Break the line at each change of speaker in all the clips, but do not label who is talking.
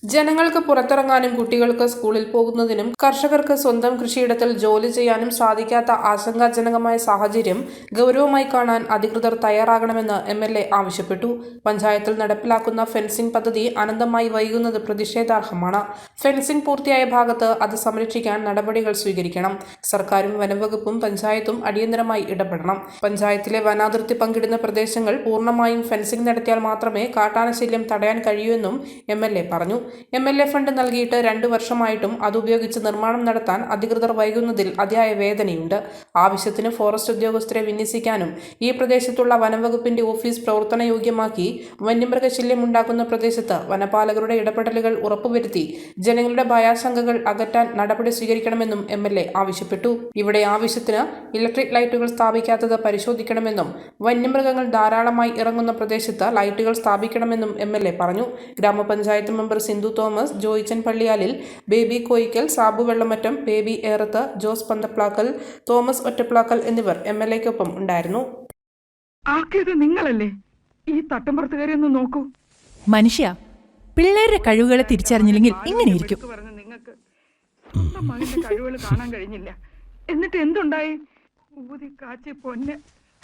ജനങ്ങൾക്ക് പുറത്തിറങ്ങാനും കുട്ടികൾക്ക് സ്കൂളിൽ പോകുന്നതിനും കർഷകർക്ക് സ്വന്തം കൃഷിയിടത്തിൽ ജോലി ചെയ്യാനും സാധിക്കാത്ത ആശങ്കാജനകമായ സാഹചര്യം ഗൗരവമായി കാണാൻ അധികൃതർ തയ്യാറാകണമെന്ന് എം.എൽ.എ. ആവശ്യപ്പെട്ടു. പഞ്ചായത്തിൽ നടപ്പിലാക്കുന്ന ഫെൻസിംഗ് പദ്ധതി അനന്തമായി വൈകുന്നത് പ്രതിഷേധാർഹമാണ്. ഫെൻസിംഗ് പൂർത്തിയായ ഭാഗത്ത് അത് സംരക്ഷിക്കാൻ നടപടികൾ സ്വീകരിക്കണം. സർക്കാരും വനംവകുപ്പും പഞ്ചായത്തും അടിയന്തരമായി ഇടപെടണം. പഞ്ചായത്തിലെ വനാതിർത്തി പങ്കിടുന്ന പ്രദേശങ്ങൾ പൂർണ്ണമായും ഫെൻസിംഗ് നടത്തിയാൽ മാത്രമേ കാട്ടാനശല്യം തടയാൻ കഴിയൂവെന്നും എം.എൽ.എ. പറഞ്ഞു. എം.എൽ.എ. ഫണ്ട് നൽകിയിട്ട് 2 വർഷമായിട്ടും അതുപയോഗിച്ച് നിർമ്മാണം നടത്താൻ അധികൃതർ വൈകുന്നതിൽ അതിയായ വേദനയുണ്ട്. ആവശ്യത്തിന് ഫോറസ്റ്റ് ഉദ്യോഗസ്ഥരെ വിന്യസിക്കാനും ഈ പ്രദേശത്തുള്ള വനംവകുപ്പിന്റെ ഓഫീസ് പ്രവർത്തനയോഗ്യമാക്കി വന്യമൃഗശല്യം ഉണ്ടാക്കുന്ന പ്രദേശത്ത് വനപാലകരുടെ ഇടപെടലുകൾ ഉറപ്പുവരുത്തി ജനങ്ങളുടെ ഭയാശങ്കകൾ അകറ്റാൻ നടപടി സ്വീകരിക്കണമെന്നും എം.എൽ.എ. ആവശ്യപ്പെട്ടു. ഇവിടെ ആവശ്യത്തിന് ഇലക്ട്രിക് ലൈറ്റുകൾ സ്ഥാപിക്കാത്തത് പരിശോധിക്കണമെന്നും വന്യമൃഗങ്ങൾ ധാരാളമായി ഇറങ്ങുന്ന പ്രദേശത്ത് ലൈറ്റുകൾ സ്ഥാപിക്കണമെന്നും എം.എൽ.എ. പറഞ്ഞു. ഗ്രാമപഞ്ചായത്ത് മെമ്പർ സിന്ധു തോമസ്, ജോയിച്ചൻ പള്ളിയാലിൽ, ബേബി കോയിക്കൽ, സാബു വെള്ളമറ്റം, ബേബി ഏറത്ത്, ജോസ് പന്തപ്ലാക്കൽ, തോമസ് ഒറ്റപ്ലാക്കൽ എന്നിവർ എം.എൽ.എക്കൊപ്പം ഉണ്ടായിരുന്നു.
നിങ്ങളല്ലേ ഈ തട്ടമ്പുറത്തുകാരെ ഒന്ന് നോക്കൂ.
മനുഷ്യ, പിള്ളേരുടെ കഴിവുകളെ തിരിച്ചറിഞ്ഞില്ലെങ്കിൽ ഇങ്ങനെയിരിക്കും.
നിങ്ങൾക്ക് സ്വന്തം മകന്റെ കഴിവുകൾ കാണാൻ കഴിഞ്ഞില്ല. എന്നിട്ട് എന്തുണ്ടായി? ഊതി കാച്ചി പൊന്നെ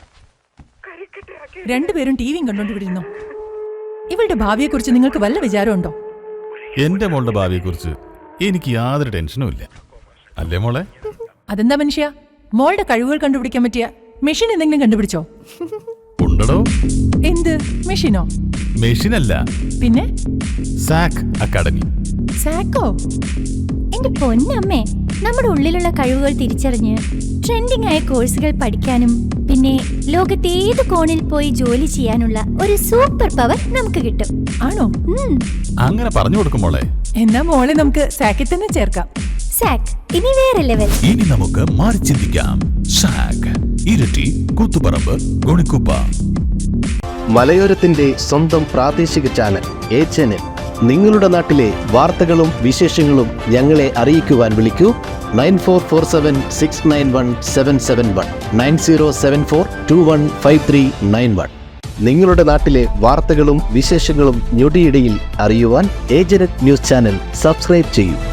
രണ്ടുപേരും ടിവിയും കണ്ടോണ്ടിരുന്നു. ഇവളുടെ ഭാവിയെക്കുറിച്ച് നിങ്ങൾക്ക് വല്ല വിചാരമുണ്ടോ?
എന്റെ മോളുടെ ഭാവിയെക്കുറിച്ച് എനിക്ക് യാതൊരു ടെൻഷനും ഇല്ല. അല്ലേ മോളെ?
അതെന്താ മനുഷ്യ, മോളുടെ കഴിവുകൾ കണ്ടുപിടിക്കാൻ പറ്റിയ മെഷീൻ എന്തെങ്കിലും കണ്ടുപിടിച്ചോ?
ഉണ്ടോ?
എന്ത് മെഷീനോ?
മെഷീനല്ല,
പിന്നെ
സാക് അക്കാഡമി.
സാക്കോ?
എന്റെ പൊന്നമ്മേ, നമ്മുടെ ഉള്ളിലുള്ള കഴിവുകൾ തിരിച്ചറിഞ്ഞ് ട്രെൻഡിംഗ് ആയ കോഴ്സുകൾ പഠിക്കാനും പിന്നെ ലോകത്തെ ഏത് കോണിൽ പോയി ജോലി ചെയ്യാനുള്ള ഒരു സൂപ്പർ പവർ നമുക്ക് കിട്ടും.
ആണോ?
അങ്ങനെ പറഞ്ഞു കൊടുക്കും മോളെ.
എന്നാ മോളെ നമുക്ക് സാക്കിൽ തന്നെ ചേർക്കാം.
സാക് ഇനി വേറെ ലെവൽ.
ഇനി നമുക്ക് മാറി ചിന്തിക്കാം. സാക്, ഇരട്ടി, കൂത്തുപറമ്പ്, ഗുണിക്കുപ്പ.
മലയോരത്തിന്റെ സ്വന്തം പ്രാദേശിക ചാനൽ എ ചാനൽ. നിങ്ങളുടെ നാട്ടിലെ വാർത്തകളും വിശേഷങ്ങളും ഞങ്ങളെ അറിയിക്കുവാൻ വിളിക്കൂ 9447691771 9074215391. നിങ്ങളുടെ നാട്ടിലെ വാർത്തകളും വിശേഷങ്ങളും ഞൊടിയിടയിൽ അറിയുവാൻ ഏജനറ്റ് ന്യൂസ് ചാനൽ സബ്സ്ക്രൈബ് ചെയ്യൂ.